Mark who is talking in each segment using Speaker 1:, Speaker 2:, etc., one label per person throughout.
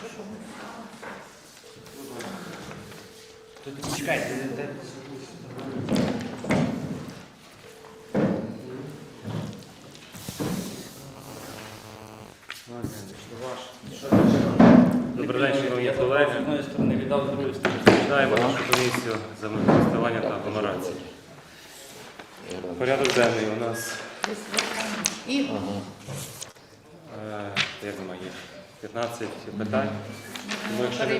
Speaker 1: Тут чекайте, де?
Speaker 2: Добрий день, шановні колеги.
Speaker 1: З одної сторони віддав, з другої сторони.
Speaker 2: Починаємо нашу комісію землекористування та агломерації. Порядок денний у нас, як немає, 15 питань. Тому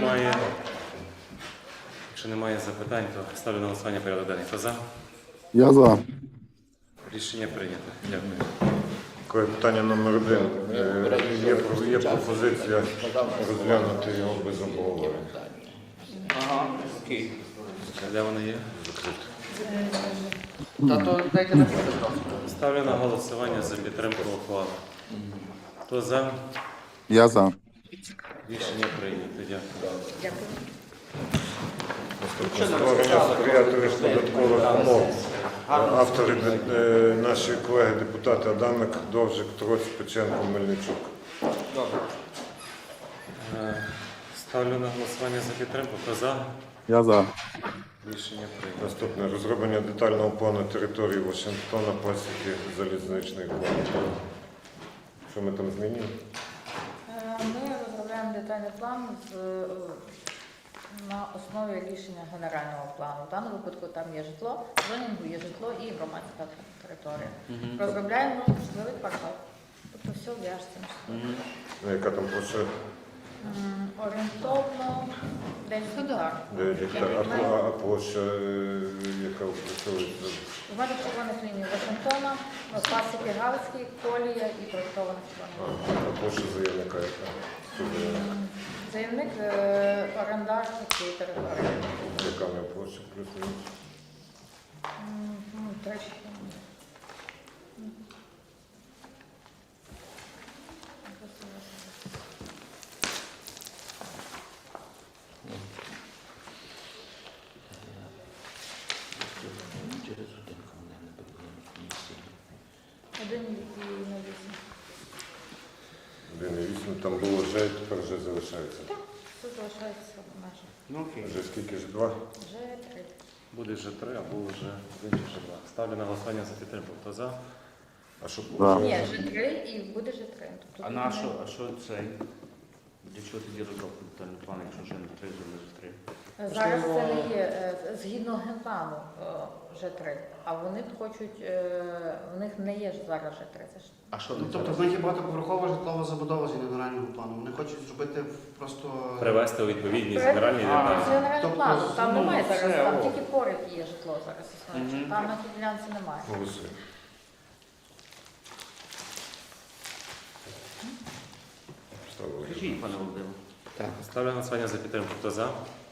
Speaker 2: якщо немає запитань, то ставлю на голосування порядок денний. Хто за?
Speaker 3: Я за.
Speaker 2: Рішення прийнято. Дякую.
Speaker 4: Таке питання номер 1. Є пропозиція розглянути його без обговорення.
Speaker 1: Ага, окей.
Speaker 2: Де воно є?
Speaker 1: Та то дайте на підпис.
Speaker 2: Ставлю на голосування за підтримку ухвали. Хто за?
Speaker 3: Я за.
Speaker 2: Рішення прийнято. Дякую.
Speaker 4: Створення сприятливих податкових умов. Автори наші колеги-депутати Адамик, Довжик, Троць, Печенко, Мельничук.
Speaker 1: Добре.
Speaker 2: Ставлю на голосування за підтримку. Хто за?
Speaker 3: Я за.
Speaker 2: Рішення прийнято.
Speaker 4: Наступне. Розроблення детального плану території Вашингтона, пасіки залізничної колії. Що ми там змінюємо?
Speaker 5: Ми розробляємо детальний план на основі рішення генерального плану. В даному випадку там є житло, в зонінгу є житло і громадська територія. Розробляємо житловий квартал. Тобто все в'яжеться.
Speaker 4: Яка там площа?
Speaker 5: Орієнтовно 10 гектар.
Speaker 4: А площа, яка опрацьовується?
Speaker 5: У мене червоних ліній Вашингтона, пасіки Галицькі, колія і проєктована червона.
Speaker 4: А площа заявника яка?
Speaker 5: Заявник орендар цієї території.
Speaker 4: Яка в нього площа плюс-мінус?
Speaker 5: 3. Один і на 8.
Speaker 4: 1,8, там було вже, тепер вже залишається.
Speaker 5: Так, все залишається в межах.
Speaker 1: Ну окей.
Speaker 4: Вже скільки ж? 2?
Speaker 5: Вже 3.
Speaker 2: Буде вже 3, а було вже 1 чи вже 2. Ставлю на голосування за підтримку. Хто за?
Speaker 4: А що
Speaker 3: Да.
Speaker 5: Ні, вже 3 і буде вже 3. Тобто
Speaker 1: А
Speaker 5: тут
Speaker 1: на
Speaker 5: не-
Speaker 1: що, цей? Для чого тоді розробку детальний план, якщо вже не 3, вже не 3?
Speaker 5: Зараз це не є, згідно генплану вже 3, а вони хочуть, в них не є ж зараз вже 3. Це ж
Speaker 1: А що?
Speaker 6: Ну, тобто в них є багатоповерхова житлова забудова з генерального плану. Вони хочуть зробити просто...
Speaker 2: Привести у відповідність
Speaker 5: Проект-
Speaker 2: генеральні
Speaker 5: З
Speaker 2: деталі.
Speaker 5: генерального
Speaker 6: Тобто,
Speaker 5: плану, там
Speaker 1: ну,
Speaker 5: немає
Speaker 1: все,
Speaker 5: зараз, там
Speaker 1: о.
Speaker 5: тільки поряд є житло зараз існуюче,
Speaker 1: Мгм.
Speaker 5: там на тій ділянці немає.
Speaker 4: Голосуємо. Ставили.
Speaker 1: Скажіть, пане Володимире.
Speaker 2: Ставлю на голосування за підтримку. Хто за?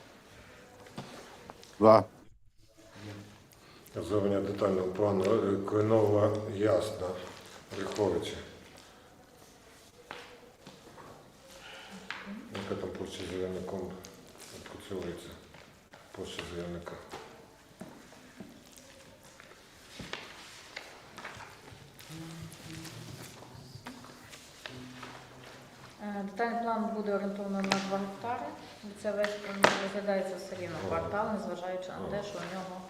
Speaker 3: За.
Speaker 4: Розроблення детального плану Клинова Ясна, Риховича. Яка там площа заявником відпрацьовується? Площа заявника.
Speaker 5: Детальний план буде орієнтовано на 2 гектари. Це весь розглядається все рівно квартал, незважаючи на те, що у нього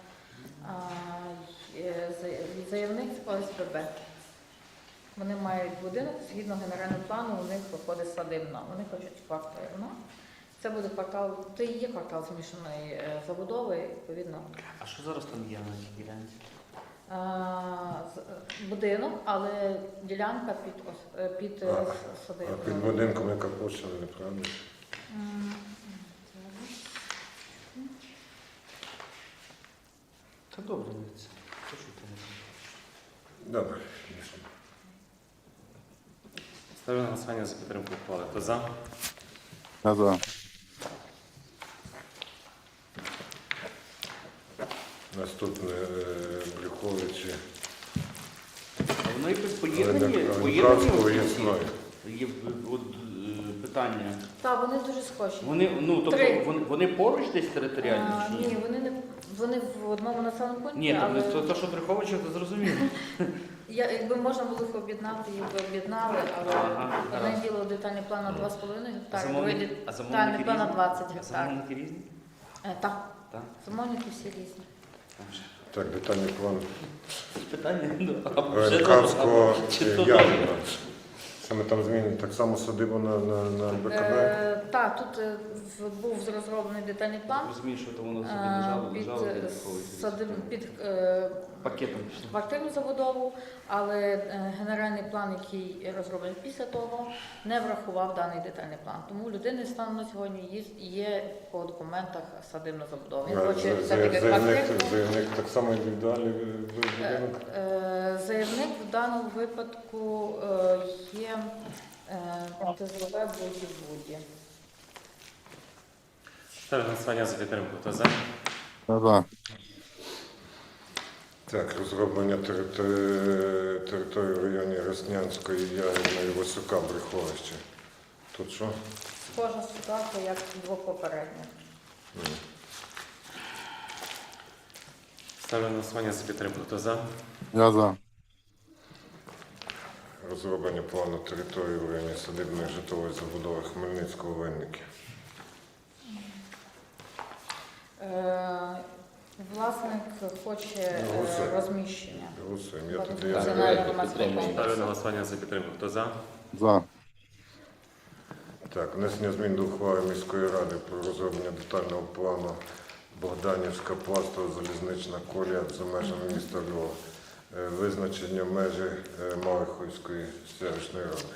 Speaker 5: заявник з ОСББ. Вони мають будинок, згідно генерального плану, у них виходить садибна. Вони хочуть квартирно. Це буде квартал, це і є квартал змішаної забудови, відповідно.
Speaker 1: А що зараз там є на цій ділянці?
Speaker 5: Будинок, але ділянка під
Speaker 4: А
Speaker 5: садибною.
Speaker 4: під будинком яка площа, неправда?
Speaker 1: Та добре, дивіться. Що ж ти не знаєш?
Speaker 4: Добре.
Speaker 2: Ставлю на голосування за підтримку ухвали. Хто за?
Speaker 3: Я за.
Speaker 4: Наступне Брюховичі.
Speaker 1: Воно і поєднані.
Speaker 4: Олеградського Ясною.
Speaker 1: Є от, питання.
Speaker 5: Так, вони дуже схожі.
Speaker 1: Вони, ну, тобто,
Speaker 5: Три.
Speaker 1: вони поруч десь територіально? Чи ні?
Speaker 5: Ні, вони не Вони в одному населеному пункті,
Speaker 1: Ні,
Speaker 5: але
Speaker 1: то, що Брюховича, то зрозуміло.
Speaker 5: якби можна було їх об'єднати, їх би об'єднали, але
Speaker 1: Ага,
Speaker 5: одне
Speaker 1: гаразд.
Speaker 5: діло детальний план на 2,5 гектари,
Speaker 1: Замовники-
Speaker 5: другий
Speaker 1: а
Speaker 5: детальний
Speaker 1: замовники
Speaker 5: план на
Speaker 1: різні?
Speaker 5: 20
Speaker 1: А
Speaker 5: гектарів.
Speaker 1: замовники різні?
Speaker 5: Так,
Speaker 1: Так.
Speaker 5: замовники всі різні.
Speaker 4: Так, детальний план
Speaker 1: Питання, ну, а вже
Speaker 4: Ренкавського
Speaker 1: чи то
Speaker 4: Ярина. Що ми там змінили? Так само садибу на БКБ?
Speaker 5: Так, тут був розроблений детальний план
Speaker 1: розумію, що то воно собі
Speaker 5: під
Speaker 1: лежало для Брюховича.
Speaker 5: під
Speaker 1: Пакетом пішло.
Speaker 5: квартирну забудову, але генеральний план, який розроблений після того, не врахував даний детальний план. Тому у людини станом на сьогодні є по документах садибна забудова. Він хоче все-таки квартирну.
Speaker 4: Заявник так само індивідуальний будинок?
Speaker 5: Заявник в даному випадку є ТЗВ Буді.
Speaker 2: Ставлю на голосування за підтримку. Хто за?
Speaker 3: Я за.
Speaker 4: Так, розроблення території в районі Роснянської, Ягідної, Васюка, Брюховища. Тут що?
Speaker 5: Схожа ситуація, як двох попередніх.
Speaker 2: Ставлю на голосування за підтримку. Хто за?
Speaker 3: Я за.
Speaker 4: Розроблення плану території в районі садибної житлової забудови Хмельницького, Винники.
Speaker 5: Власник хоче
Speaker 4: Голосуємо.
Speaker 5: розміщення.
Speaker 4: Голосуємо. Я тоді
Speaker 5: Національного громадського
Speaker 2: Ставлю на
Speaker 5: комплексу.
Speaker 2: голосування за підтримку. Хто за?
Speaker 3: За.
Speaker 4: Так, внесення змін до ухвали міської ради про розроблення детального плану Богданівська пластова залізнична колія за межами міста Львова. Визначення межі Малихівської селищної ради.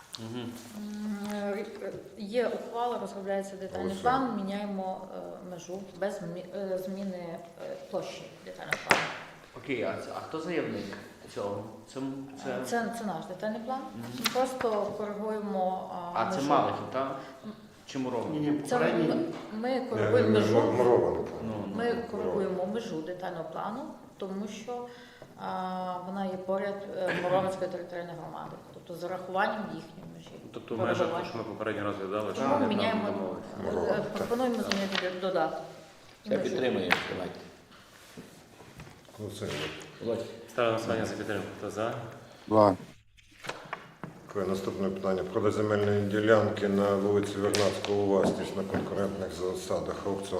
Speaker 5: Є ухвала, розробляється детальний
Speaker 4: Голосуємо.
Speaker 5: план, міняємо межу без зміни площі детального плану.
Speaker 1: Окей, а хто заявник цього?
Speaker 5: Це наш детальний план. Просто коригуємо
Speaker 1: А це
Speaker 5: межу.
Speaker 1: Малихів, так? Чи Мурова?
Speaker 6: Ні,
Speaker 5: Це
Speaker 6: попередній.
Speaker 5: ми коригуємо межу.
Speaker 4: Мурований план.
Speaker 1: Ну,
Speaker 5: Ми коригуємо межу детального плану, тому що вона є поряд Муромецької територіальної громади, тобто з урахуванням їхньої межі.
Speaker 2: Тобто в межах, того, що ми попередньо розглядали, що
Speaker 5: Тому
Speaker 2: вони
Speaker 5: міняємо,
Speaker 2: там домовилися.
Speaker 4: Мурова,
Speaker 5: пропонуємо змінити додаток.
Speaker 7: Все підтримуємо, давайте.
Speaker 4: Голосуємо.
Speaker 2: Ставлю на голосування за підтримку. Хто за?
Speaker 3: За.
Speaker 4: Таке наступне питання. Продаж земельної ділянки на вулиці Вернадського у власність на конкурентних засадах аукціон.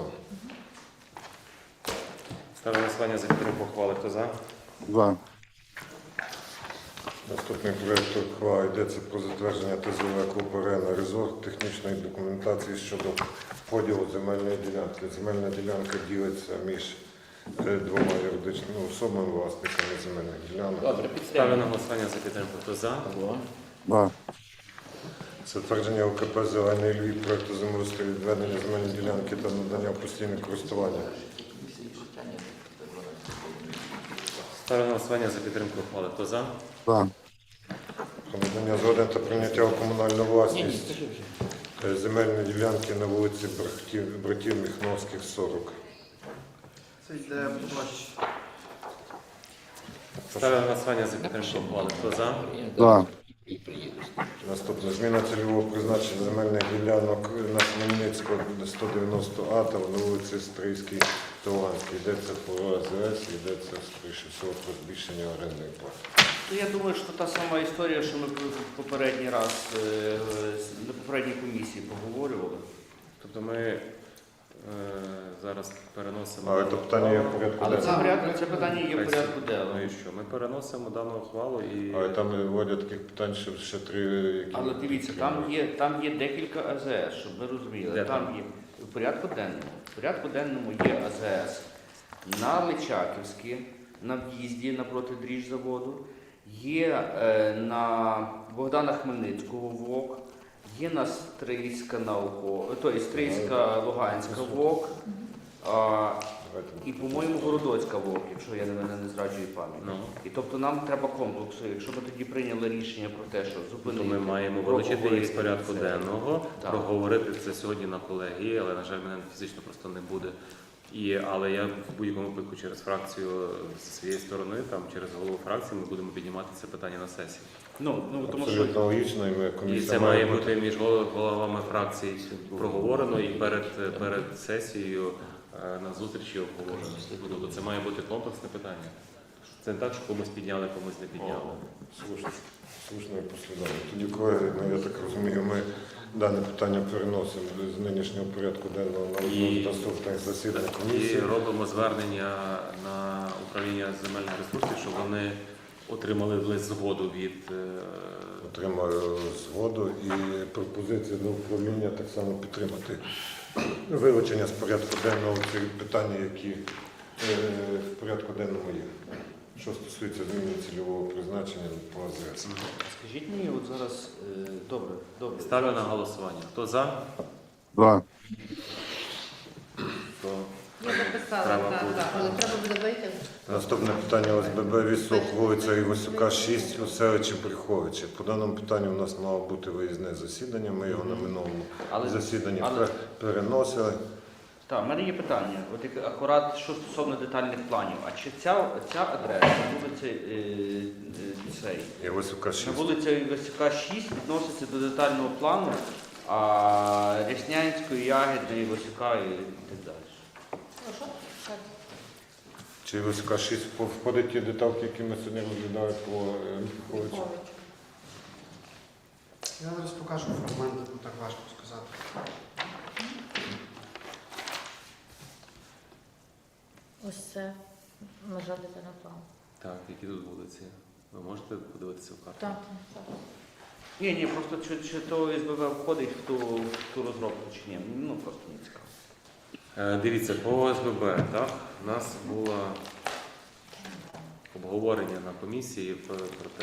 Speaker 2: Ставлю на голосування за підтримку ухвали. Хто за?
Speaker 3: За.
Speaker 4: Наступний проєкт ухвали йдеться про затвердження ТЗВ «Клуб Арена Резорт» технічної документації щодо поділу земельної ділянки. Земельна ділянка ділиться між двома юридичними особами, власниками земельних ділянок.
Speaker 7: Добре,
Speaker 2: Ставлю
Speaker 7: підтримуємо.
Speaker 2: на голосування за підтримку. Хто за?
Speaker 7: Алло.
Speaker 3: За.
Speaker 4: Затвердження ЛКП «Зелений Львів» проєкту землеустрою відведення земельної ділянки та надання постійне користування.
Speaker 2: Ставлю на голосування за підтримку ухвали. Хто за?
Speaker 3: За.
Speaker 4: Про надання згоди та прийняття у комунальну
Speaker 7: Ні, ні,
Speaker 4: власність
Speaker 7: скажи вже.
Speaker 4: земельної ділянки на вулиці братів Міхновських, 40.
Speaker 6: Це йде площа.
Speaker 2: Ставлю на голосування за підтримку ухвали. Хто за?
Speaker 3: За.
Speaker 7: І приїдеш.
Speaker 4: Наступне. Зміна цільового призначення земельних ділянок на Хмельницького 190 А та на вулиці Стрийській та Луганській. Йдеться про АЗС, йдеться, скоріше всього, про збільшення орендної плати.
Speaker 1: Ну, я думаю, що та сама історія, що ми попередній раз на попередній комісії поговорювали.
Speaker 2: Тобто ми зараз переносимо.
Speaker 4: Але то питання є в порядку
Speaker 1: Але
Speaker 4: денному.
Speaker 1: це питання є в порядку
Speaker 2: Ну
Speaker 1: денному.
Speaker 2: і що? Ми переносимо дану ухвалу і
Speaker 4: Але там вводять таких питань, що ще 3, які...
Speaker 1: Але дивіться, там є декілька АЗС, щоб ви розуміли.
Speaker 2: Де
Speaker 1: Там
Speaker 2: там?
Speaker 1: є в порядку денному. В порядку денному є АЗС на Личаківській, на в'їзді напроти дріжзаводу, є на Богдана Хмельницького ВОК, є на Стрийська Стрийська Луганська ВОК, і, по-моєму, Городоцька ВОК, якщо я не зраджую пам'ять.
Speaker 2: Ну.
Speaker 1: І тобто нам треба комплексу. Якщо ми тоді прийняли рішення про те, що
Speaker 2: то
Speaker 1: зупинити,
Speaker 2: ми маємо вилучити їх з порядку
Speaker 1: це.
Speaker 2: денного,
Speaker 1: Так.
Speaker 2: проговорити це сьогодні на колегії, але, на жаль, мене фізично просто не буде. Але я в будь-якому випадку через фракцію зі своєї сторони, там через голову фракції, ми будемо піднімати це питання на сесії.
Speaker 1: Тому що
Speaker 4: Абсолютно логічно, і ми
Speaker 2: І
Speaker 4: комісія
Speaker 2: це має бути між головами фракцій проговорено, і перед сесією на зустрічі обговорено. Тобто це має бути комплексне питання. Це не так, що комусь підняли, комусь не підняли.
Speaker 4: Слушно і послідовно. Тоді, колеги, я так розумію, ми дане питання переносимо з нинішнього порядку денного на
Speaker 2: І-
Speaker 4: наступних засідань
Speaker 2: І
Speaker 4: комісії.
Speaker 2: робимо звернення на управління земельних ресурсів, щоб вони отримали лист згоду від
Speaker 4: Отримаю згоду і пропозицію до управління так само підтримати вилучення з порядку денного цих питань, які в порядку денному є. Що стосується зміни цільового призначення по АЗС.
Speaker 1: Скажіть мені, от зараз, добре.
Speaker 2: ставлю на голосування. Хто за,
Speaker 3: За.
Speaker 2: то
Speaker 5: Я записала,
Speaker 2: Треба
Speaker 5: так,
Speaker 2: буде.
Speaker 5: так, але треба буде вийти.
Speaker 4: Наступне питання ОСББ Вісок, вулиця Ігосюка, 6, у селищі Брюховичі. По даному питанню у нас мало бути виїзне засідання, ми його на минулому
Speaker 1: Але-
Speaker 4: засіданні
Speaker 1: але-
Speaker 4: переносили.
Speaker 1: Так, в мене є питання. От як акурат що стосовно детальних планів. А чи ця адреса, вулиця цей,
Speaker 4: Ігосюка, 6.
Speaker 1: на вулиця Івасюка 6 відноситься до детального плану, а Ряснянської, Ягідної, Івасюка і так далі.
Speaker 5: Прошу? Так.
Speaker 4: Чи Ігосюка 6 входить ті деталки, які ми сьогодні розглядали по Брюховичу?
Speaker 5: Петрович.
Speaker 6: Я зараз покажу фрагменти, бо так важко сказати.
Speaker 5: Ось це межа детального плану.
Speaker 2: так, які тут вулиці? Ви можете подивитися в карту?
Speaker 5: Так, так.
Speaker 1: Ні, просто чи то СББ входить в ту розробку, чи ні. Ну просто не цікаво.
Speaker 2: Дивіться, по ОСББ, так, у нас було обговорення на комісії про те,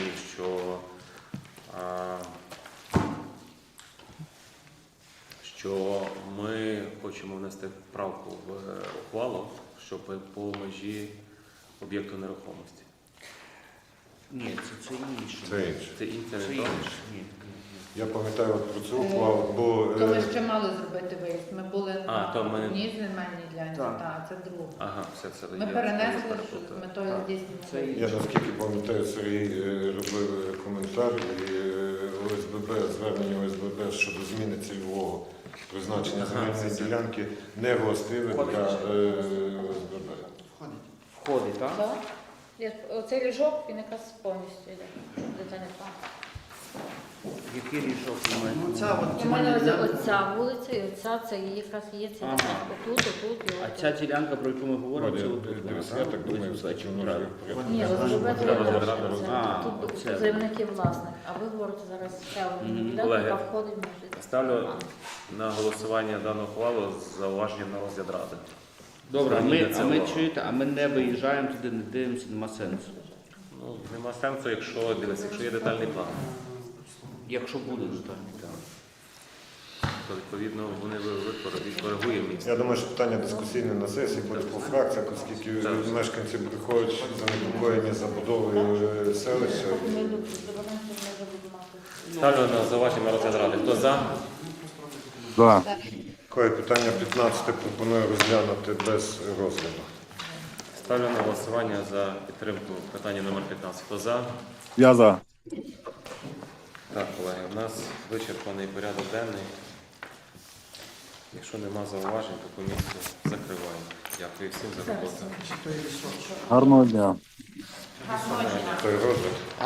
Speaker 2: що ми хочемо внести правку в ухвалу, щоб по межі об'єкту нерухомості.
Speaker 1: Ні, це інше.
Speaker 4: Це інше.
Speaker 2: Це інше
Speaker 1: Це
Speaker 2: не то?
Speaker 1: інше. Ні.
Speaker 4: Я пам'ятаю от про цю ухвалу, бо
Speaker 5: То ми ще мали зробити виїзд. Ми були
Speaker 2: А,
Speaker 5: на
Speaker 2: то ми-
Speaker 5: одній земельній ділянці,
Speaker 1: Так.
Speaker 5: так, це друге.
Speaker 2: Ага, все.
Speaker 5: Ми
Speaker 2: я
Speaker 5: перенесли
Speaker 2: перепутав.
Speaker 5: з метою
Speaker 1: Так.
Speaker 5: здійснення.
Speaker 1: Це
Speaker 5: виїзду.
Speaker 4: я наскільки пам'ятаю, Сергій робив коментар і ОСББ, звернення ОСББ щодо зміни цільового призначення
Speaker 2: Ага,
Speaker 4: земельної
Speaker 2: це-
Speaker 4: ділянки не властиве для ОСББ.
Speaker 6: Входить.
Speaker 1: Входить, так?
Speaker 5: Так. Оцей ліжок, він якраз повністю йде. Детальний план.
Speaker 1: Який рішок ви маєте?
Speaker 6: Ну, ця от
Speaker 5: У мене
Speaker 6: земельна
Speaker 5: ось
Speaker 6: ділянка.
Speaker 5: оця вулиця і оця, це її якраз є ці
Speaker 1: Ага.
Speaker 5: отут і
Speaker 1: А
Speaker 5: отут.
Speaker 1: ця ділянка, про яку ми говоримо, це
Speaker 4: Володя,
Speaker 1: отут.
Speaker 4: дивись,
Speaker 1: вона,
Speaker 4: я
Speaker 1: так?
Speaker 4: так думаю,
Speaker 1: Ось
Speaker 4: що
Speaker 1: бачу,
Speaker 4: воно
Speaker 1: правильно.
Speaker 4: вже порядку.
Speaker 5: Ні,
Speaker 6: Треба
Speaker 5: ОСББ
Speaker 2: треба
Speaker 5: це
Speaker 2: розбирати,
Speaker 1: А,
Speaker 5: тут
Speaker 1: це.
Speaker 5: заявники власник, а ви говорите зараз ще одну
Speaker 1: Мгм.
Speaker 5: ділянку,
Speaker 2: Колеги,
Speaker 5: яка входить між.
Speaker 2: Ставлю на голосування дану ухвалу з зауваженням на розгляд ради.
Speaker 1: Добре,
Speaker 2: Зверніть на це
Speaker 1: а ми
Speaker 2: увагу.
Speaker 1: чуєте, а ми не виїжджаємо туди, не дивимося, нема сенсу.
Speaker 2: Ну, нема сенсу, якщо є детальний план.
Speaker 1: Якщо буде детальний план.
Speaker 2: То відповідно вони відкоригуємо місце.
Speaker 4: Я думаю, що питання дискусійне на сесії, потім по фракціях, оскільки
Speaker 2: Так.
Speaker 4: мешканці Брюхович занепокоєні забудовою селища.
Speaker 5: Ми добираємося, ми будемо мати.
Speaker 2: Ставлю на зауваження на розгляд ради. Хто за?
Speaker 3: За.
Speaker 4: Таке питання 15 пропоную розглянути без розгляду.
Speaker 2: Ставлю на голосування за підтримку питання номер 15. Хто за?
Speaker 3: Я за.
Speaker 2: Так, колеги, у нас вичерпаний порядок денний. Якщо нема зауважень, то комісію закриваємо. Дякую всім за роботу.
Speaker 3: Гарного дня.
Speaker 4: Той розгляд.